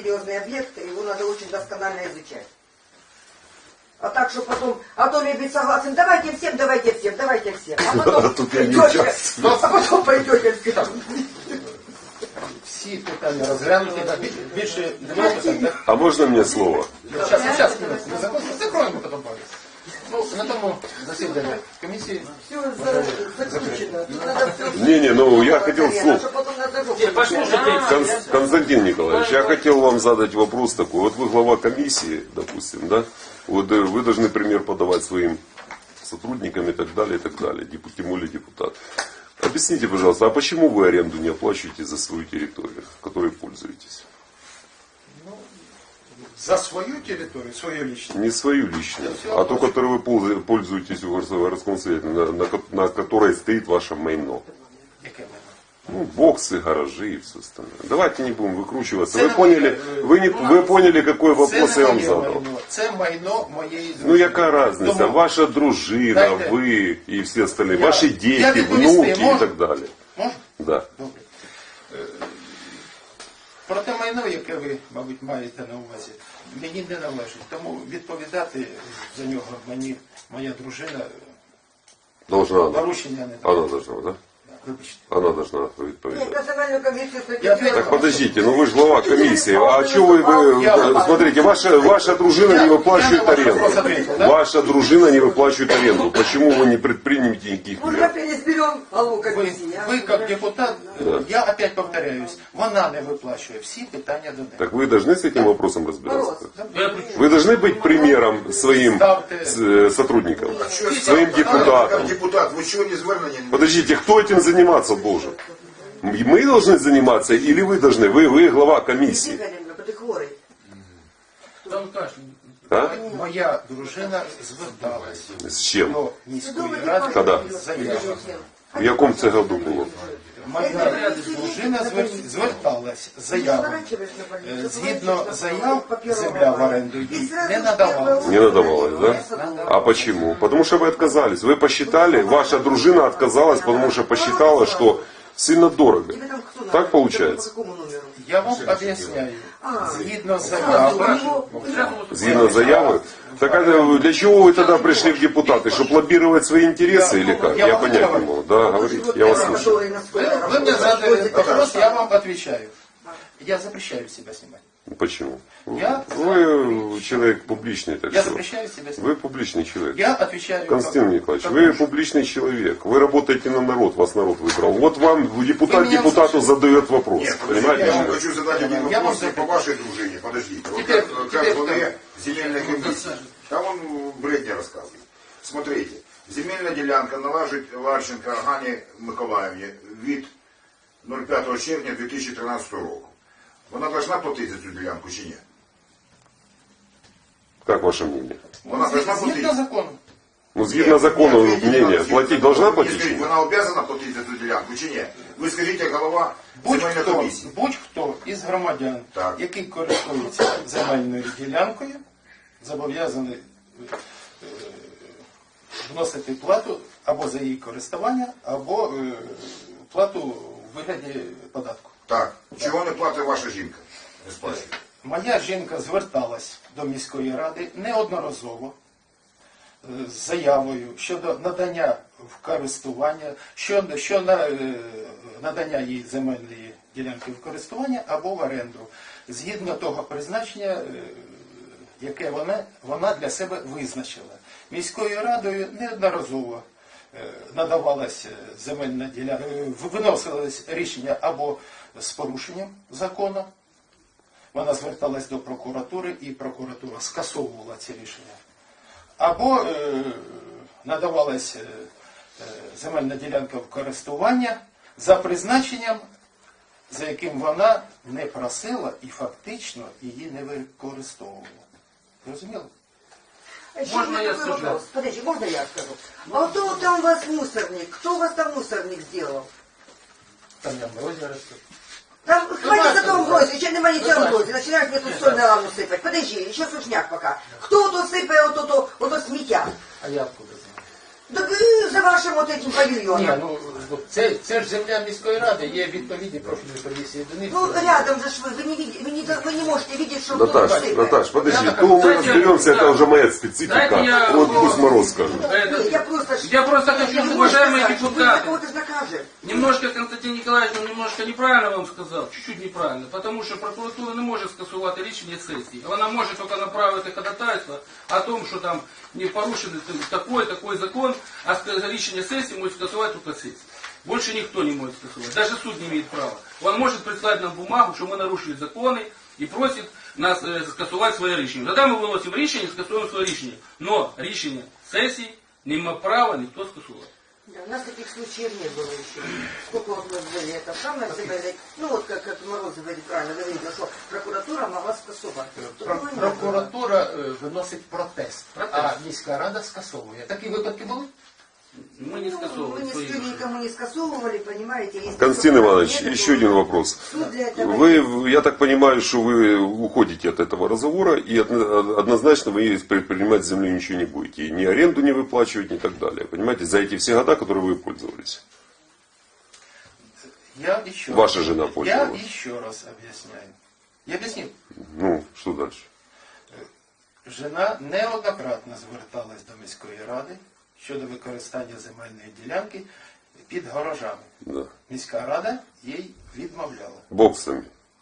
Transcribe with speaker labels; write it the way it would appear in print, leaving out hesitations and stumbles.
Speaker 1: серьезный объект, его надо очень досконально изучать. А так, что потом, а то ведь согласен, давайте всем, давайте всем, давайте всем. А потом пойдете всем.
Speaker 2: Всі питання розглянуті, більше
Speaker 3: А можно мне слово?
Speaker 2: Сейчас, закроємо потім палець. Ну, на тому засіданні комісії.
Speaker 1: Все заключено.
Speaker 3: Не, ну я хотел слово. Константин Николаевич, я хотел вам задать вопрос такой. Вот вы глава комиссии, допустим, да? Вот вы должны пример подавать своим сотрудникам и так далее, тем более депутат. Объясните, пожалуйста, а почему вы аренду не оплачиваете за свою территорию, которой пользуетесь?
Speaker 2: За свою территорию, свою личную?
Speaker 3: Не свою личную, а ту, которой вы пользуетесь в городском совете, на которой стоит ваше майно. Ну, боксы, гаражи и все остальное. Давайте не будем выкручиваться. Вы поняли, какой вопрос я вам задал.
Speaker 2: Це майно моєї дружини.
Speaker 3: Ну, яка разница? Ваша дружина, вы и все остальные. Ваши дети, внуки и так далее.
Speaker 2: Можна?
Speaker 3: Да.
Speaker 2: Добре. Про те майно, яке ви, мабуть, маєте на увазі, мені не належить. Тому відповідати за нього мені моя дружина
Speaker 3: Должна она.
Speaker 2: порушення не дає.
Speaker 3: Она должна, да?
Speaker 2: Вибачте.
Speaker 3: Она должна відповідати.
Speaker 1: Национальную комиссию
Speaker 3: Так подождите, ну вы же глава комиссии. А что вы, смотрите, ваша дружина не выплачивает аренду. Ваша дружина не выплачивает аренду. Почему вы не предпримете никаких
Speaker 1: Мы
Speaker 3: мер?
Speaker 1: опять не сберем голову комиссии.
Speaker 2: Ви, як депутат, я опять повторяюсь, вона не виплачує всі питання до неї.
Speaker 3: Так вы должны с этим вопросом разбираться. Вы должны быть примером своим сотрудникам, своим депутатам.
Speaker 4: Как депутат, вы чего не звернення?
Speaker 3: Подождите, кто этим заниматься должен? Мы должны заниматься или вы должны? Вы глава комиссии. А?
Speaker 2: Моя дружина зверталась
Speaker 3: С чем?
Speaker 2: до міської ради
Speaker 3: Когда?
Speaker 2: з заявою.
Speaker 3: В якому це году було?
Speaker 2: Моя дружина зверталась з заявою. Згідно заяв, земля в оренду їй не надавалася.
Speaker 3: Не надавалось, да? А почему? Потому что вы отказались. Вы посчитали, ваша дружина отказалась, потому что посчитала, что сильно дорого. Так получается?
Speaker 2: Я вам об'ясняю. Згідно заяви,
Speaker 3: Згідно заяви? Так а для чего вы тогда пришли в депутаты? Чтобы лоббировать свои интересы или как? Я понять не могу. Да, говорите, я вас слушаю.
Speaker 2: вы мне задали вопрос, я вам отвечаю. Я запрещаю себя снимать.
Speaker 3: Почему?
Speaker 2: Я
Speaker 3: Вы человек публичный, так
Speaker 2: Я
Speaker 3: что.
Speaker 2: запрещаю себя снимать.
Speaker 3: Вы публичный человек.
Speaker 2: Я отвечаю.
Speaker 3: Константин Николаевич, вы публичный человек. Вы работаете на народ, вас народ выбрал. Вот вам депутат депутату задает вопрос.
Speaker 4: Нет,
Speaker 3: Понимаете?
Speaker 4: я вам хочу задать один
Speaker 2: Я
Speaker 4: вопрос
Speaker 2: вам
Speaker 4: по вашей дружине. Подождите. Вот
Speaker 2: Теперь-
Speaker 4: как
Speaker 2: теперь
Speaker 4: главе
Speaker 2: кто?
Speaker 4: земельной комиссии. Там он бредни рассказывает. Смотрите. Земельная делянка належить Ларченко Гані Миколаївні від 05 червня 2013 року. Вона должна платити за цю ділянку чи ні?
Speaker 3: Как ваше мнение?
Speaker 4: Вона должна
Speaker 2: Згідно
Speaker 4: платити.
Speaker 2: закону.
Speaker 3: Ну, згідно закону, мнение, платить должна платить?
Speaker 4: Скажіть, вона обязана платити за цю ділянку чи ні? Ви скажіть, як голова земельної комісії.
Speaker 2: Будь-хто із громадян,
Speaker 4: Так.
Speaker 2: який користується земельною ділянкою, зобов'язаний вносити плату або за її користування, або плату в вигляді податку.
Speaker 4: Так. Чого не платить ваша жінка? Не сплачує.
Speaker 2: Моя жінка зверталась до міської ради неодноразово з заявою щодо надання в користування, надання їй земельної ділянки в користування або в оренду, згідно того призначення, яке вона для себе визначила. Міською радою неодноразово надавалась земельна ділянка, виносилось рішення або з порушенням закону. Вона зверталась до прокуратури, і прокуратура скасовувала ці рішення. Або надавалась земельна ділянка в користування за призначенням, за яким вона не просила і фактично її не використовувала. Розуміло?
Speaker 1: Можно я скажу? Подожди, можно я скажу? А кто там у вас мусорник? Кто у вас там мусорник сделал?
Speaker 2: Там я в озеро расту.
Speaker 1: Там хватит за том грозе, еще нема ничего в грозе. Начинают мне тут соль на ламу сыпать. Подожди, еще сушняк пока. Кто тут сыпает вот то смятя?
Speaker 2: А я откуда знаю?
Speaker 1: Так и за вашим вот этим
Speaker 5: Ні,
Speaker 1: павильоном.
Speaker 5: ну це ж земля міської ради, є відповідні профільні комісії до них.
Speaker 1: Ну, рядом же ж вы не, видите, вы не можете видеть, что
Speaker 3: Наташ,
Speaker 1: кто-то сыпает.
Speaker 3: Наташ, подожди,
Speaker 5: Я
Speaker 3: то мы
Speaker 6: Дайте-
Speaker 3: разберемся, это
Speaker 6: да.
Speaker 3: уже моя специфика.
Speaker 6: Дайте я-
Speaker 3: Вот пусть Мороз скажет.
Speaker 6: Это-
Speaker 1: Я просто...
Speaker 6: Я просто хочу,
Speaker 1: не можете
Speaker 6: уважаемые
Speaker 1: сказать, что вы за
Speaker 6: депутаты,
Speaker 1: кого-то же накажете.
Speaker 6: немножко Константин Николаевич немножко неправильно вам сказав, чуть-чуть неправильно, тому що прокуратура не може скасувати рішення сесії. Вона може тільки направити ходатайство о том, що там не порушений такой закон, а рішення сесії може скасувати тільки сесія. Больше никто не может скасувати, даже суд не имеет права. Он может прислать нам бумагу, що ми нарушили закони і просить нас скасувати своє рішення. Тоді ми виносимо рішення, скасуємо своє рішення. Но рішення сесії не має права ніхто скасувати.
Speaker 1: Да, у нас таких случаев не было еще. Сколько вот мы были, это самое говорили, ну вот как Мороз говорит, правильно говорит, что прокуратура могла скасовать. Такого не было.
Speaker 5: Прокуратура виносить протест, а міська рада скасовує. Такі випадки були?
Speaker 6: Ми не
Speaker 1: Ну,
Speaker 6: скасовуємо
Speaker 1: мы
Speaker 6: свої
Speaker 1: никто
Speaker 6: рішення.
Speaker 1: никому не скасовывали, понимаете. Если
Speaker 3: Константин
Speaker 1: прокуратура
Speaker 3: Иванович,
Speaker 1: нет,
Speaker 3: еще
Speaker 1: то
Speaker 3: один вопрос.
Speaker 1: суд для этого
Speaker 3: Вы, я так понимаю, что вы уходите от этого разговора и однозначно вы предпринимать с землей ничего не будете. И ни аренду не выплачивать, ни так далее. Понимаете, за эти все года, которые вы пользовались. Ваша жена пользовалась.
Speaker 5: Я еще раз объясняю. Я объяснил.
Speaker 3: Ну, что дальше?
Speaker 5: Жена неоднократно зверталась до міської ради щодо використання земельної ділянки під гаражами.
Speaker 3: Да.
Speaker 5: Міська рада їй відмовляла.
Speaker 3: Бог с вами.